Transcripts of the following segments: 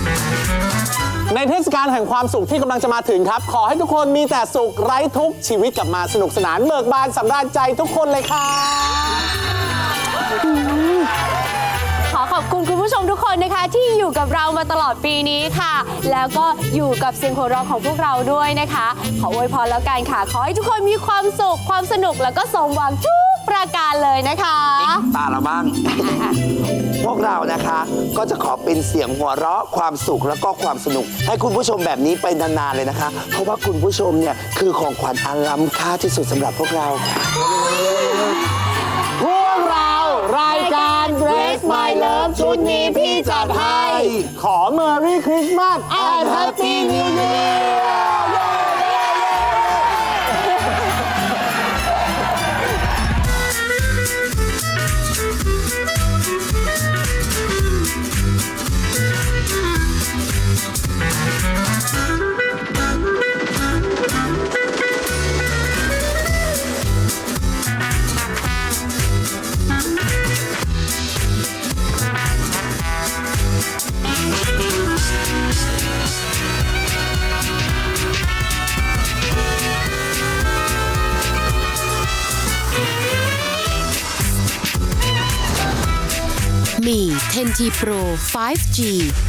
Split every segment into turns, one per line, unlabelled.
ในเทศกาลแห่งความสุขที่กำลังจะมาถึงครับขอให้ทุกคนมีแต่สุขไร้ทุกข์ชีวิตกลับมาสนุกสนานเบิกบานสำราญใจทุกคนเลยค่ะ
ขอขอบคุณคุณผู้ชมทุกคนนะคะที่อยู่กับเรามาตลอดปีนี้ค่ะแล้วก็อยู่กับเสียงหัวเราะของพวกเราด้วยนะคะขออวยพรแล้วกันค่ะขอให้ทุกคนมีความสุขความสนุกแล้วก็สมหวังทุกประการเลยนะคะ
ตาเราบ้าง พวกเรานะคะก็จะขอเป็นเสียงหัวเราะความสุขแล้วก็ความสนุกให้คุณผู้ชมแบบนี้ไปนานๆเลยนะคะเพราะว่าคุณผู้ชมเนี่ยคือของขวัญอันล้ำค่าที่สุดสำหรับพวกเรา
พวกเรารายการ Grace My Love ชุดนี้พี่จัดให้ขอ Merry Christmas and Happy New Year
มี 10T Pro 5G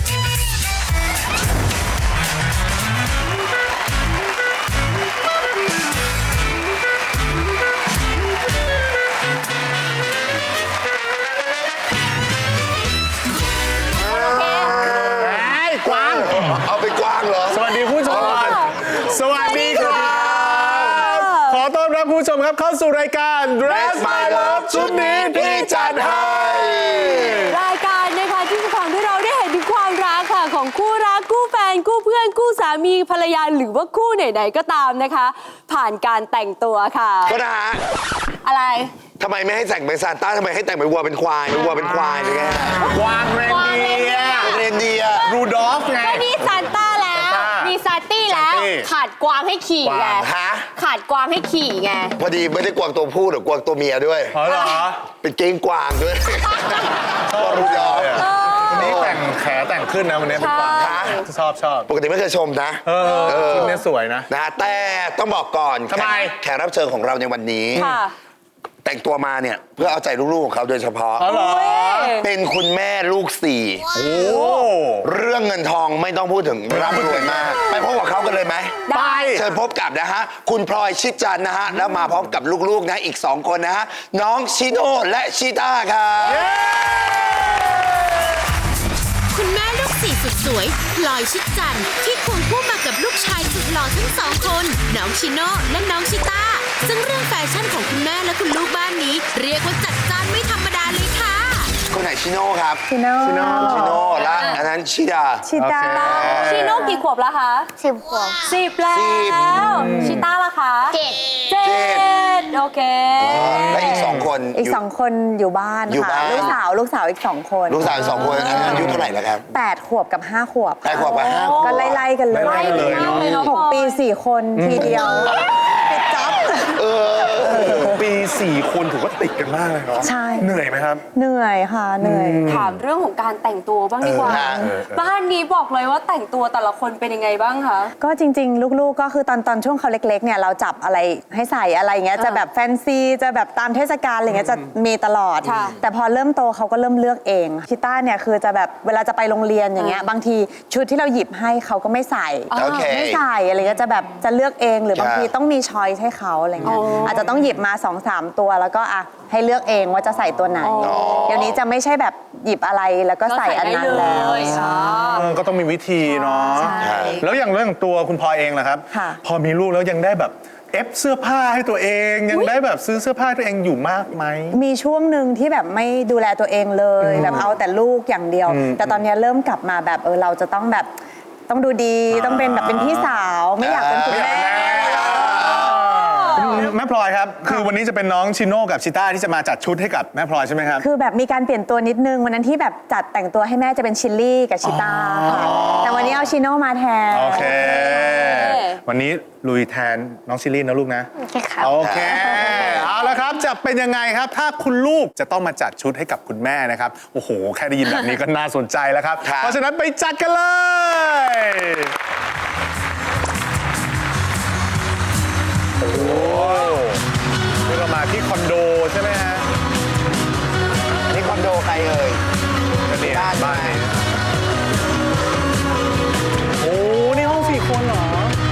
กวาง
เอาไปกว้างเหรอ
สวัสดีผู้ชมสวัสดีครับขอต้อนรับผู้ชมครับเข้าสู่รายการ Dress My Love ชุดนี้พี่จัดให้
รายการนะคะที่จะทำให้เราได้เห็นถึงความรักค่ะของคู่รักคู่แฟนคู่เพื่อนคู่สามีภรรยาหรือว่าคู่ไหนๆก็ตามนะคะผ่านการแต่งตัวค่ะ
ก็นะฮะ
อะไร
ทำไมไม่ให้แต่งเป็นซานต้าทำไมให้แต่งเป็นวัวเป็นควายเป็นวัวเป็นควายหรือไง
กวางเรนเดียรูดอฟไง
ก็นี่ซานต้าแล้วมีซาตี้แล้วขาดกวางให้ขี่ไงขาดกวางให้ขี่ไง
พอดีไม่ได้กวางตัวผู้หรือกวางตัวเมียด้วย
เหรอ
เป็นเก้งกวางด้วย
ชอบรูดอฟวันนี้แต่งแขแต่งขึ้นนะวันนี้เป็นกวางชอบ
ปกติไม่เคยชมนะ
ชุดนี้สวยนะ
แต่ต้องบอกก่อน
ทำไม
แขกรับเชิญของเราในวันนี้แต่งตัวมาเนี่ยเพื่อเอาใจลูกๆของเขาโดยเฉพาะเป็นคุณแม่ลูก4เรื่องเงินทองไม่ต้องพูดถึงร่ำรวยมากไปพบกับเขากันเลยไหม
ไป
เชิญพบกับนะฮะคุณพลอยชิดจันทร์นะฮะแล้วมาพร้อมกับลูกๆนะอีก2คนนะฮะน้องชิโน่และชิต้าครับ
คุณแม่ลูก4สุดสวยพลอยชิดจันทร์ที่ควงคู่มากับลูกชายสุดหล่อทั้ง2คนน้องชิโน่และน้องชิต้าซึ่งเรื่องแฟชั่นของคุณแม่และคุณลูกบ้านนี้เรียกว่าจัดจ้านไม่ธรรมดาเลยค่ะ
คนไหนชิโน่ครับ
ชิโน่
และอันนั้นชิต้า
ชิโน่กี่ขวบแล้วคะ
10 ขวบ
10แล้วชิต้าล่ะคะ7โอเค
และอีก2คน
อยู่บ้านค่ะลูกสาวอีก2คน
ลูกสาวอีก2คนอายุเท่าไหร่แล้วครับ
8 ขวบกับ5 ขวบ
8 ขวบกับ5 ขวบ
ก็ไล่ๆกันเลย6 ปี 4 คนทีเดียวปิดจ็อบ
ปี4 คนถือว่าติดกันมากเลยเนาะ
ใช่
เหนื่อยไหมครับ
เหนื่อยค่ะเหนื่อย
ถามเรื่องของการแต่งตัวบ้างดีกว่าบ้านนี้บอกเลยว่าแต่งตัวแต่ละคนเป็นยังไงบ้างคะ
ก็จริงๆลูกๆก็คือตอนช่วงเขาเล็กๆเนี่ยเราจับอะไรให้ใส่อะไรอย่างเงี้ยจะแบบแฟนซีจะแบบตามเทศกาลอะไรเงี้ยจะมีตลอดแต่พอเริ่มโตเขาก็เริ่มเลือกเองชิต้าเนี่ยคือจะแบบเวลาจะไปโรงเรียนอย่างเงี้ยบางทีชุดที่เราหยิบให้เขาก็ไม่ใส่ไม่ใส่อะไรเงี้ยจะแบบจะเลือกเองหรือบางทีต้องมีช้อยส์ให้เขาอะไรเงี้ยอาจจะต้องหยิบมา 2-3 ตัวแล้วก็ให้เลือกเองว่าจะใส่ตัวไหนเดี๋ยวนี้จะไม่ใช่แบบหยิบอะไรแล้วก็ใส่อันนั้นแล้ว
ก็ต้องมีวิธีเนาะแล้วอย่างเรื่องตัวคุณพลอยเองล่ะครับพอมีลูกแล้วยังได้แบบเสื้อผ้าให้ตัวเองยังได้แบบซื้อเสื้อผ้าตัวเองอยู่มากไหม
มีช่วงหนึ่งที่แบบไม่ดูแลตัวเองเลยแบบเอาแต่ลูกอย่างเดียวแต่ตอนนี้เริ่มกลับมาแบบเราจะต้องแบบต้องดูดีต้องเป็นแบบเป็นพี่สาวไม่อยากเป็นคุณแม่
แม่พลอยครับคือวันนี้จะเป็นน้องชิโน่กับชิต้าที่จะมาจัดชุดให้กับแม่พลอยใช่ไหมครับ
คือแบบมีการเปลี่ยนตัวนิดนึงวันนั้นที่แบบจัดแต่งตัวให้แม่จะเป็นชิลลี่กับชิต้าค่ะแต่วันวันนี้เอาชิโน่มาแทน
โอเค วันนี้ลุยแทนน้องชิลลี่นะลูกนะ
ครับ
โอเค เอาละครับ จะเป็นยังไงครับ ถ้าคุณลูกจะต้องมาจัดชุดให้กับคุณแม่นะครับ โอ้โห แค่ได้ยินแบบนี้ก็น่าสนใจแล้วครับ
ครับ
เพราะฉะนั้นไปจัดกันเลย โอ้โหนี่เรามาที่คอนโดใช่ไหมฮะ
นี่คอนโดใครเอ่ย
ก็เนี่ย
บ้าน
บ้านนี้โอ้ นี่ห้อง4 คนเหรอ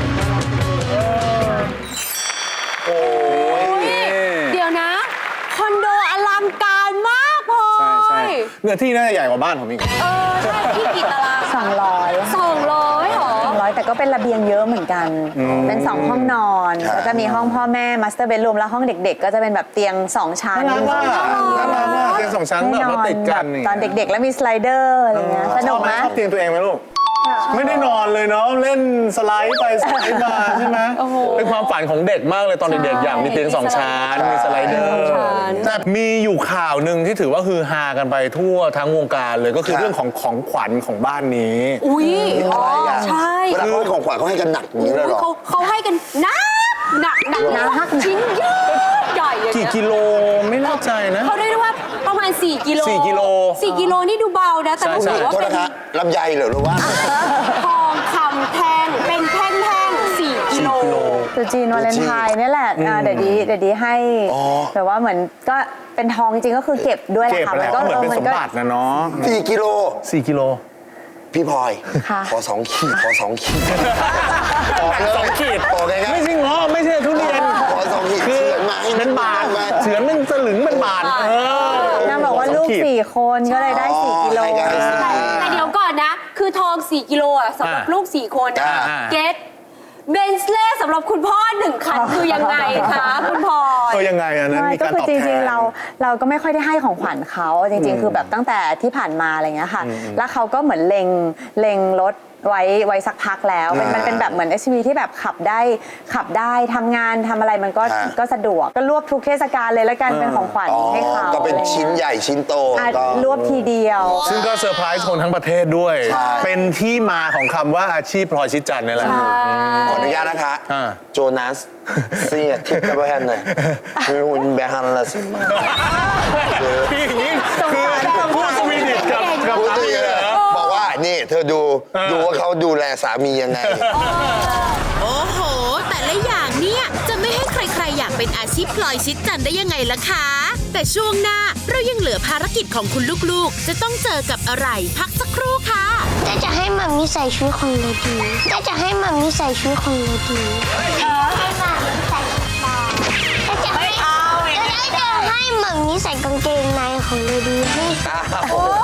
โอ้ย
เดี๋ยวนะ คอนโดอลังการมากพลอย
ใช่เนื้อที่น่าจะใหญ่กว่าบ้านผมอีก
ใช่ที่กี่ตาราง
200
200หรอ
200 แต่ก็เป็นระเบียงเยอะเหมือนกัน เป็น2ห้องนอน
ครับ
แล้วก็มีห้องพ่อแม่มาสเตอร์เบดรูมแล้วห้องเด็กๆ ก็จะเป็นแบบเตียง2ชั้น
น่ารักมากน่ารักมากเตียง2 ชั้นแบบว่าติดกัน
แบบตอนเด็กๆ แล้วมีสไลเดอร์อะไรเงี้ยส
ช
นุ
อก บไหม
นะ
ชอบเตียงตัวเองไหมลูก ไม่ได้นอนเลยเนาะเล่นสไลด์ไปสไลด์มาใช่ไหมเป็นความฝันของเด็กมากเลยตอนเด็กๆอยากมีเตียง2 ชั้นมีสไลเดอร์แต่มีอยู่ข่าวหนึ่งที่ถือว่าฮือฮากันไปทั่วทั้งวงการเลยก็คือเรื่องของของขวัญของบ้านนี้
อุ้ย
อะไรอ่ะ
ใช่
เวลาเขาให้ของขวัญเขาให้กันหนักอย่างนี้เลยเหรอ
เขาให้กันหนักชิ้นใหญ่ใหญ่อย่าง
กี่
เงี้ย
กิโลไม่แน่ใจนะ
เขาเรียกได้ว่าประมาณ4 กิโล
4 กิโล
4 กิโลนี่ดูเบานะ แต่
ใช่
ผม
ใช่
ถือว่า
โทษ
เป็น
นะคะลำไยเหรอหรือว่า
ทองคำแท่งเป็นแท่งๆ4 กิโล
ตรุษจีนวาเลนไทน์นี่แหละเดี๋ยวดีให้
อ๋อ
แต่ว่าเหมือนก็เป็นทองจริงก็คือเก็บด้วยแห
เก็บ
ละค่ะ
แหละก็เหมือนเป็นสมบัตินะเนาะ
4 กิโล
4 กิโล
พี่พลอย
ค่ะ
ขอ2 ขีดขอ2 ขีด
สองขีด
โอเคครับ
ไม่ใช่เงาะไม่ใช่ทุเรียน
ขอ2 ขีด
คือ
เฉือนมาให้
เป็นบาท
มา
เฉือนเป็นสลึงเป็นบาท
นางบอกว่าลูก 4 คนก็เลยได้ 4 กิโล
ให้กัน
แต่เดี๋ยวก่อนนะ คือทอง 4 กิโลอ่ะสำหรับลูก 4 คนนะ
อ่า
เกตเบนซ์เล่สำหรับคุณพ่อ1 คันคือยังไงคะคุณพลอย
ก็ยังไงอันนั้น
ใช่
มี
ก็
การ
คือ
ตอบ
จ
แท
ริง
น
ๆเราก็ไม่ค่อยได้ให้ของขวัญเขาจริงๆ คือแบบตั้งแต่ที่ผ่านมาอะไรเงี้ยค่ะ แล้วเขาก็เหมือนเล็งรถไว้สักพักแล้วมันเป็นแบบเหมือน SUV ที่แบบขับได้ทำงานทำอะไรมันก็สะดวกก็รวบทุกเทศกาลเลยแล้วกันเป็นของขวัญ
อ๋อ
ให้เขา
ก็เป็นชิ้นใหญ่ชิ้นโต
อ่ะ
ก็
รวบทีเดียว
ซึ่งก็เซอร์ไพรส์คนทั้งประเทศด้วย
ใช่
เป็นที่มาของคำว่าอาชีพพลอยชิดจันทร์นี่แหละ
ขออนุญาตนะคะ
อ่า
โจนัสเสียทิปกับแฮนหน่อยคือหุ่นแบฮันละสิมา
พี่อย่างนี้คือพูดสวีดิชกับ
พูด
สา
จริ
มี
ง
เลยเหรอ
บอกว่านี่เธอดูว่าเขาดูแลสามียังไง
โอ้โห แต่ละอย่างเนี่ยจะไม่ให้ใครๆอยากเป็นอาชีพพลอยชิดจันทร์ได้ยังไงล่ะคะ แต่ช่วงหน้าเรายังเหลือภารกิจของคุณลูกๆ จะต้องเจอกับอะไรพักสักครู่ค่ะ
จะให้มัมมี่ใส่ชุดของเลดีจะให้มัมมี่ใส่ชุดของเลดีให้มัมมี่ใส่ชุดบอลจะให้มัมมี่ใส่กางเกงในของเลดีให้